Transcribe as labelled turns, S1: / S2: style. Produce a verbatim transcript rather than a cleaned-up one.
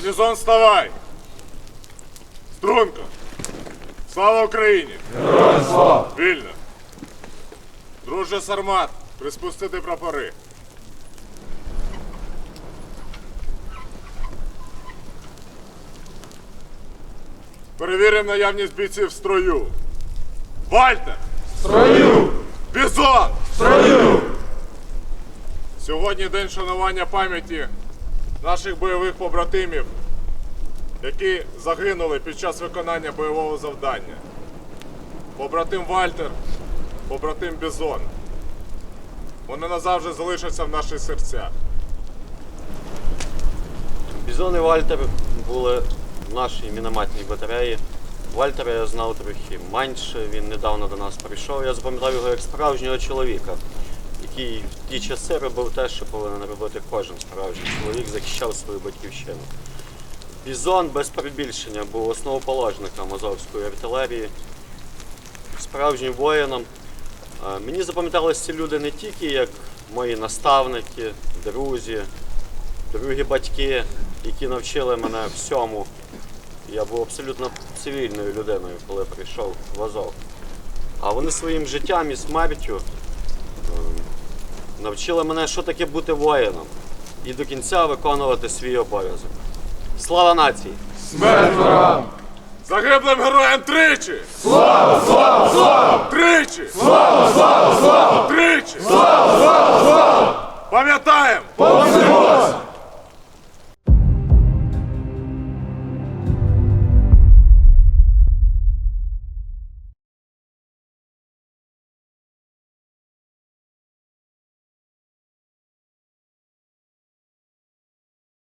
S1: Бізон, вставай! Струнко! Слава Україні!
S2: Героям слава!
S1: Вільно! Друже Сармат, приспустити прапори. Перевіримо наявність бійців в строю. Вальтер!
S2: В строю!
S1: Бізон!
S2: В строю!
S1: Сьогодні день шанування пам'яті наших бойових побратимів, які загинули під час виконання бойового завдання. Побратим Вальтер, побратим Бізон. Вони назавжди залишаться в наших серцях.
S3: Бізон і Вальтер були в нашій мінометній батареї. Вальтера я знав трохи менше, він недавно до нас прийшов. Я запам'ятав його як справжнього чоловіка, який в ті часи робив те, що повинен робити кожен справжній чоловік, захищав свою батьківщину. Бізон без перебільшення був основоположником азовської артилерії, справжнім воїном. Мені запам'яталися ці люди не тільки як мої наставники, друзі, другі батьки, які навчили мене всьому. Я був абсолютно цивільною людиною, коли прийшов в Азов. А вони своїм життям і смертю навчили мене, що таке бути воїном і до кінця виконувати свій обов'язок. Слава нації!
S2: Смерть ворогам!
S1: Загиблим героям тричі!
S2: Слава, слава, слава!
S1: Тричі!
S2: Слава, слава, слава!
S1: Тричі!
S2: Слава, слава, слава!
S1: Пам'ятаємо!
S2: Повземось!